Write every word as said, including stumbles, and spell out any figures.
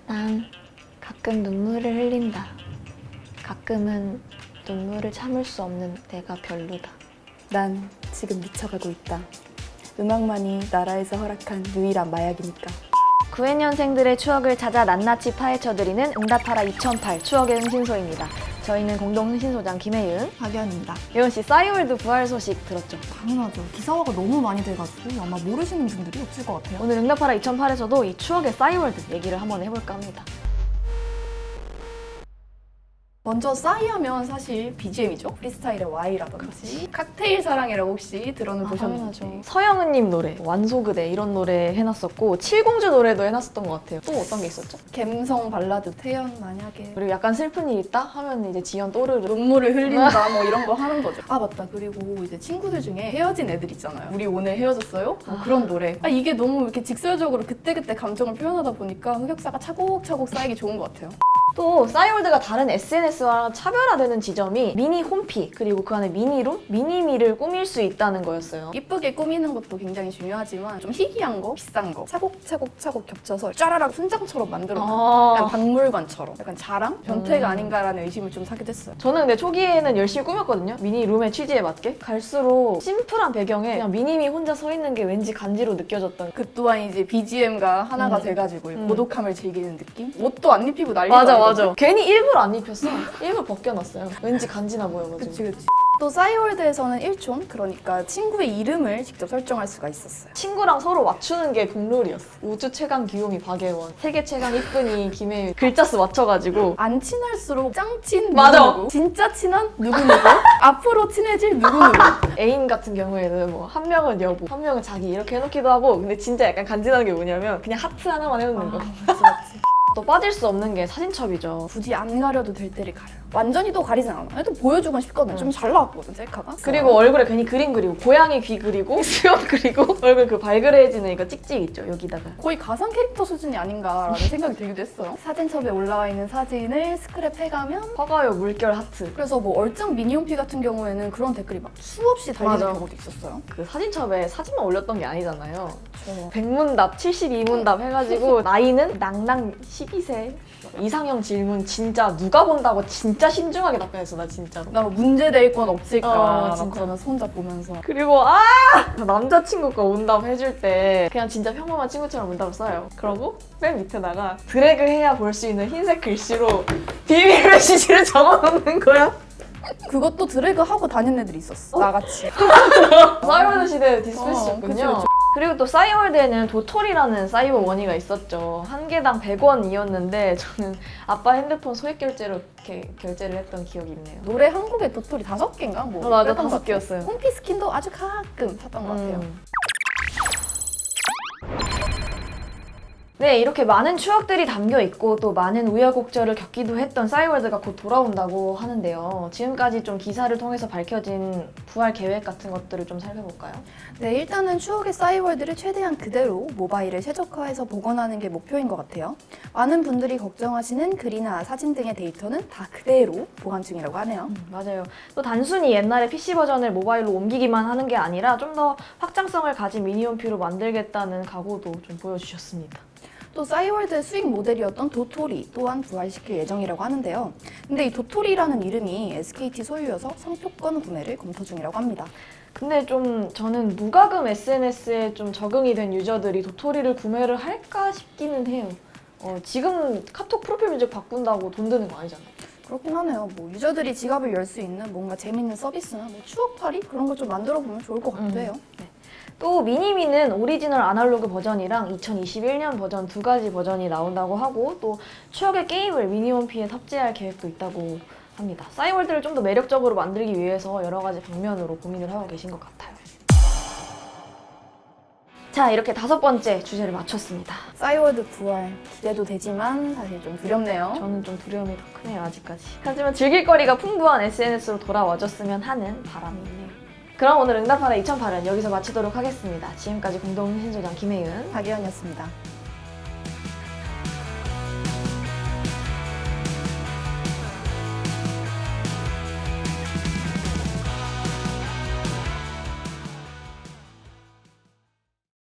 난 가끔 눈물을 흘린다. 가끔은 눈물을 참을 수 없는 내가 별로다. 난 지금 미쳐가고 있다. 음악만이 나라에서 허락한 유일한 마약이니까. 구회 년생들의 추억을 찾아 낱낱이 파헤쳐드리는 응답하라 이천팔 추억의 흥신소입니다. 저희는 공동 흥신소장 김혜윤, 박연입니다. 예원씨 싸이월드 부활 소식 들었죠? 당연하죠. 기사화가 너무 많이 돼가지고 아마 모르시는 분들이 없을 것 같아요. 오늘 응답하라 이천팔에서도 이 추억의 싸이월드 얘기를 한번 해볼까 합니다. 먼저 싸이 하면 사실 비지엠이죠. 프리스타일의 Y라든지 칵테일 사랑이라고 혹시 들어는 보셨는지. 서영은님 노래, 완소그대 이런 노래 해놨었고 칠공주 노래도 해놨었던 것 같아요. 또 어떤 게 있었죠? 갬성 발라드 태연 만약에 그리고 약간 슬픈 일 있다 하면 이제 지연 또르르 눈물을 흘린다 뭐 이런 거 하는 거죠. 아 맞다. 그리고 이제 친구들 중에 헤어진 애들 있잖아요. 우리 오늘 헤어졌어요? 뭐 그런 노래. 아 이게 너무 이렇게 직설적으로 그때그때 감정을 표현하다 보니까 흑역사가 차곡차곡 쌓이기 좋은 것 같아요. 또 싸이월드가 다른 에스엔에스와 차별화되는 지점이 미니 홈피 그리고 그 안에 미니룸, 미니미를 꾸밀 수 있다는 거였어요. 이쁘게 꾸미는 것도 굉장히 중요하지만 좀 희귀한 거, 비싼 거 차곡차곡차곡 겹쳐서 짜라락 순장처럼 만들어 아. 약간 박물관처럼 약간 자랑? 변태가 음. 아닌가라는 의심을 좀 사게 됐어요. 저는 근데 초기에는 열심히 꾸몄거든요. 미니룸의 취지에 맞게. 갈수록 심플한 배경에 그냥 미니미 혼자 서 있는 게 왠지 간지로 느껴졌던 그 또한 이제 비지엠과 하나가 음. 돼가지고 음. 고독함을 즐기는 느낌? 옷도 안 입히고 난리가 맞아 아니거든. 맞아. 괜히 일부러 안 입혔어. 일부러 벗겨놨어요. 왠지 간지나 보여가지고. 그치 그치. 또 싸이월드에서는 일촌, 그러니까 친구의 이름을 직접 설정할 수가 있었어요. 친구랑 서로 맞추는 게 국룰이었어. 우주 최강 귀요미 박예원, 세계 최강 이쁜이 김혜윤 글자 수 맞춰가지고 안 친할수록 짱친 맞아. 누구누구, 진짜 친한 누구누구, 앞으로 친해질 누구누구. 애인 같은 경우에는 뭐 한 명은 여보, 한 명은 자기 이렇게 해놓기도 하고 근데 진짜 약간 간지나는 게 뭐냐면 그냥 하트 하나만 해놓는 거. 맞지 맞지. 또 빠질 수 없는 게 사진첩이죠. 굳이 안 가려도 될 때를 가려요. 완전히 또 가리진 않아. 또 보여주곤 싶거든. 음. 좀 잘 나왔거든, 셀카가. 그리고 얼굴에 괜히 그림 그리고 고양이 귀 그리고 수염 그리고 얼굴 그 발그레해지는 이거 찍찍 있죠 여기다가. 거의 가상 캐릭터 수준이 아닌가라는 생각이 들기도 했어요. 사진첩에 올라와 있는 사진을 스크랩해가면 화가요 물결 하트. 그래서 뭐 얼짱 미니홈피 같은 경우에는 그런 댓글이 막 수없이 달리는 맞아. 경우도 있었어요. 그 사진첩에 사진만 올렸던 게 아니잖아요. 저 백문답, 칠십이문답 해가지고 나이는 낭낭 십이 세. 이상형 질문 진짜 누가 본다고 진짜 신중하게 답변했어 나 진짜로. 나 문제 될 건 없을까 어, 막 진짜. 그러면서 혼자 보면서 그리고 아 남자친구가 온답 해줄 때 그냥 진짜 평범한 친구처럼 문답을 써요. 그러고 맨 밑에다가 드래그 해야 볼 수 있는 흰색 글씨로 비밀 메시지를 적어놓는 거야. 그것도 드래그 하고 다니는 애들이 있었어. 나같이. 싸이월드 시대 어, 디스패시였군요. 그치, 그치. 그리고 또 싸이월드에는 도토리라는 사이버 머니가 있었죠. 한 개당 백 원이었는데 저는 아빠 핸드폰 소액 결제로 이렇게 결제를 했던 기억이 있네요. 노래 한 곡에 도토리 다섯 개인가? 뭐 어, 맞아, 그랬던 다섯 것 같아요. 개였어요. 홈피 스킨도 아주 가끔 샀던 것 같아요. 음. 네, 이렇게 많은 추억들이 담겨 있고 또 많은 우여곡절을 겪기도 했던 싸이월드가 곧 돌아온다고 하는데요. 지금까지 좀 기사를 통해서 밝혀진 부활 계획 같은 것들을 좀 살펴볼까요? 네, 일단은 추억의 싸이월드를 최대한 그대로 모바일에 최적화해서 복원하는 게 목표인 것 같아요. 많은 분들이 걱정하시는 글이나 사진 등의 데이터는 다 그대로 보관 중이라고 하네요. 음, 맞아요. 또 단순히 옛날의 피씨 버전을 모바일로 옮기기만 하는 게 아니라 좀 더 확장성을 가진 미니홈피로 만들겠다는 각오도 좀 보여주셨습니다. 또 싸이월드의 수익 모델이었던 도토리 또한 부활시킬 예정이라고 하는데요. 근데 이 도토리라는 이름이 에스케이티 소유여서 상표권 구매를 검토 중이라고 합니다. 근데 좀 저는 무과금 에스엔에스에 좀 적응이 된 유저들이 도토리를 구매를 할까 싶기는 해요. 어, 지금 카톡 프로필 문제 바꾼다고 돈 드는 거 아니잖아요. 그렇긴 하네요. 뭐 유저들이 지갑을 열 수 있는 뭔가 재밌는 서비스나 뭐 추억팔이 그런 걸 좀 만들어 보면 좋을 것 같기도 해요. 네. 또 미니미는 오리지널 아날로그 버전이랑 이천이십일 년 버전 두 가지 버전이 나온다고 하고 또 추억의 게임을 미니홈피에 탑재할 계획도 있다고 합니다. 싸이월드를 좀 더 매력적으로 만들기 위해서 여러 가지 방면으로 고민을 하고 계신 것 같아요. 자, 이렇게 다섯 번째 주제를 마쳤습니다. 싸이월드 부활 기대도 되지만 사실 좀 두렵네요. 저는 좀 두려움이 더 크네요, 아직까지. 하지만 즐길 거리가 풍부한 에스엔에스로 돌아와줬으면 하는 바람이 있네요. 그럼 오늘 응답하라 이천팔은 여기서 마치도록 하겠습니다. 지금까지 공동 흥신소장 김혜윤, 박예원이었습니다.